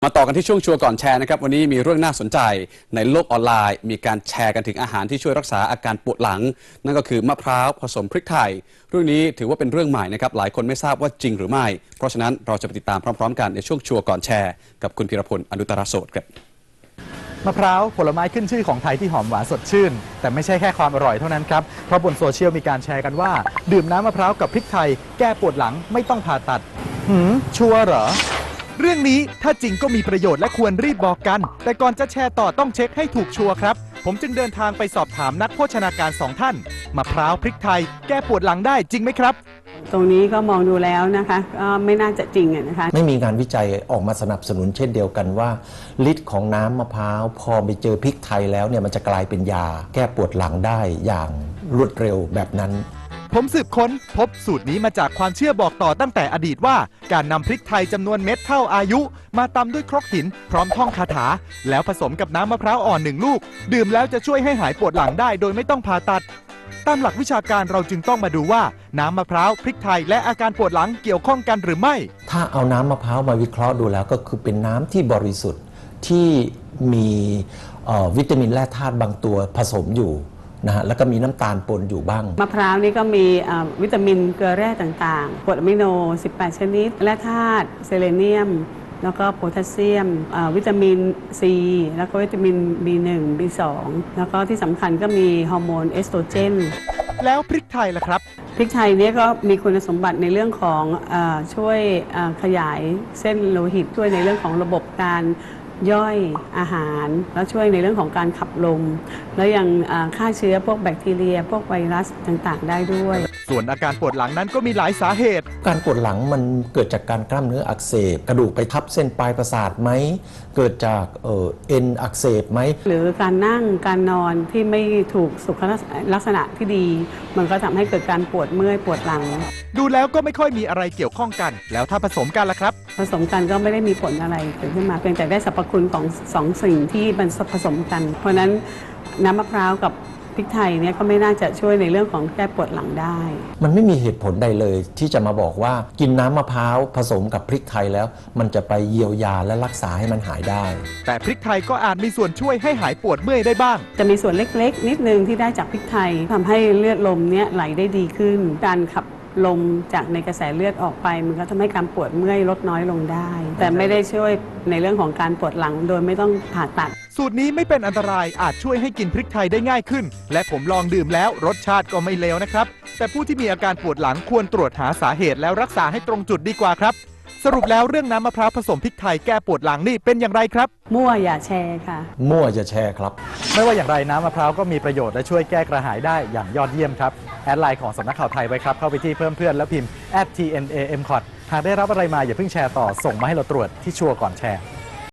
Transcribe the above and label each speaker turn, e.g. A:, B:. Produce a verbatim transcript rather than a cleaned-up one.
A: มาต่อกันที่ช่วงชัวร์ก่อนแชร์นะครับวันนี้มีเรื่องน่าสนใจในโลกออนไลน์มีการแชร์กันถึงอาหารที่ช่วยรักษาอาการปวดหลังนั่นก็คือมะพร้าวผสมพริกไทยเรื่องนี้ถือว่าเป็นเรื่องใหม่นะครับหลายคนไม่ทราบว่าจริงหรือไม่เพราะฉะนั้นเราจะไปติดตามพร้อมๆกันในช่วงชัวร์ก่อนแชร์กับคุณพีรพลอนุตตรโสดครับ
B: มะพร้าวผลไม้ขึ้นชื่อของไทยที่หอมหวานสดชื่นแต่ไม่ใช่แค่ความอร่อยเท่านั้นครับเพราะบนโซเชียลมีการแชร์กันว่าดื่มน้ำมะพร้าวกับพริกไทยแก้ปวดหลังไม่ต้องผ่าตัดหืมชัวร์เหรอเรื่องนี้ถ้าจริงก็มีประโยชน์และควรรีบบอกกันแต่ก่อนจะแชร์ต่อต้องเช็คให้ถูกชัวร์ครับผมจึงเดินทางไปสอบถามนักโภชนาการสองท่านมะพร้าวพริกไทยแก้ปวดหลังได้จริงไหมครับ
C: ตรงนี้ก็มองดูแล้วนะคะก็ไม่น่าจะจริงนะคะ
D: ไม่มีงานวิจัยออกมาสนับสนุนเช่นเดียวกันว่าฤทธิ์ของน้ำมะพร้าวพอไปเจอพริกไทยแล้วเนี่ยมันจะกลายเป็นยาแก้ปวดหลังได้อย่างรวดเร็วแบบนั้น
B: ผมสืบค้นพบสูตรนี้มาจากความเชื่อบอกต่อตั้งแต่อดีตว่าการนำพริกไทยจำนวนเม็ดเท่าอายุมาตำด้วยครกหินพร้อมท่องคาถาแล้วผสมกับน้ำมะพร้าวอ่อนหนึ่งลูกดื่มแล้วจะช่วยให้หายปวดหลังได้โดยไม่ต้องผ่าตัดตามหลักวิชาการเราจึงต้องมาดูว่าน้ำมะพร้าวพริกไทยและอาการปวดหลังเกี่ยวข้องกันหรือไม่
D: ถ้าเอาน้ำมะพร้าวมาวิเคราะห์ดูแล้วก็คือเป็นน้ำที่บริสุทธิ์ที่มีวิตามินแร่ธาตุบางตัวผสมอยู่นะฮะแล้วก็มีน้ำตาลปนอยู่บ้าง
C: มะพร้าวนี่ก็มีวิตามินเกลือแร่ต่างๆกรดอะมิโนสิบแปดชนิดแร่ธาตุเซเลเนียมแล้วก็โพแทสเซียมวิตามินซีแล้วก็วิตามิน บี หนึ่ง บี สอง แล้วก็ที่สำคัญก็มีฮอร์โมนเอสโตรเจน
B: แล้วพริกไทยล่ะครับ
C: พริกไทยเนี่ยก็มีคุณสมบัติในเรื่องของอช่วยขยายเส้นโลหิตช่วยในเรื่องของระบบการย่อยอาหารแล้วช่วยในเรื่องของการขับลมแล้วยังฆ่าเชื้อพวกแบคทีเรียพวกไวรัสต่างๆได้ด้วย
B: ส่วนอาการปวดหลังนั้นก็มีหลายสาเหตุ
D: การปวดหลังมันเกิดจากการกล้ามเนื้ออักเสบกระดูกไปทับเส้นปลายประสาทไหมเกิดจากเอ่อเอ็นอักเสบไหม
C: หรือการนั่งการนอนที่ไม่ถูกสุขลักษณะที่ดีมันก็ทำให้เกิดการปวดเมื่อยปวดหลัง
B: ดูแล้วก็ไม่ค่อยมีอะไรเกี่ยวข้องกันแล้วถ้าผสมกันล่ะครับ
C: ผสมกันก็ไม่ได้มีผลอะไรเกิดขึ้นมาเพียงแต่ได้สรรพคุณของสองสิ่งที่มันผสมกันเพราะนั้นน้ำมะพร้าวกับพริกไทยเนี่ยก็ไม่น่าจะช่วยในเรื่องของแก้ปวดหลังได้
D: มันไม่มีเหตุผลใดเลยที่จะมาบอกว่ากินน้ำมะพร้าวผสมกับพริกไทยแล้วมันจะไปเยียวยาและรักษาให้มันหายได้
B: แต่พริกไทยก็อาจมีส่วนช่วยให้หายปวดเมื่อยได้บ้าง
C: จะมีส่วนเล็กๆนิดนึงที่ได้จากพริกไทยทำให้เลือดลมเนี่ยไหลได้ดีขึ้นการขับลมจากในกระแสเลือดออกไปมันก็ทำให้การปวดเมื่อยลดน้อยลงได้แต่ไม่ได้ช่วยในเรื่องของการปวดหลังโดยไม่ต้องผ่าตัด
B: สูตรนี้ไม่เป็นอันตรายอาจช่วยให้กินพริกไทยได้ง่ายขึ้นและผมลองดื่มแล้วรสชาติก็ไม่เลวนะครับแต่ผู้ที่มีอาการปวดหลังควรตรวจหาสาเหตุแล้วรักษาให้ตรงจุดดีกว่าครับสรุปแล้วเรื่องน้ำมะพร้าวผสมพริกไทยแก้ปวดหลังนี่เป็นอย่างไรครับ
C: มั่วอย่าแชร์ค่ะ
D: มั่วอย่าแชร์ครับ
B: ไม่ว่าอย่างไรน้ำมะพร้าวก็มีประโยชน์และช่วยแก้กระหายได้อย่างยอดเยี่ยมครับแอดไลน์ของสำนักข่าวไทยไว้ครับเข้าไปที่เพิ่มเพื่อนแล้วพิมพ์ แอท ที เอ็น เอ เอ็ม ซี โอ ที หากได้รับอะไรมาอย่าเพิ่งแชร์ต่อส่งมาให้เราตรวจที่ชัวร์ก่อนแชร์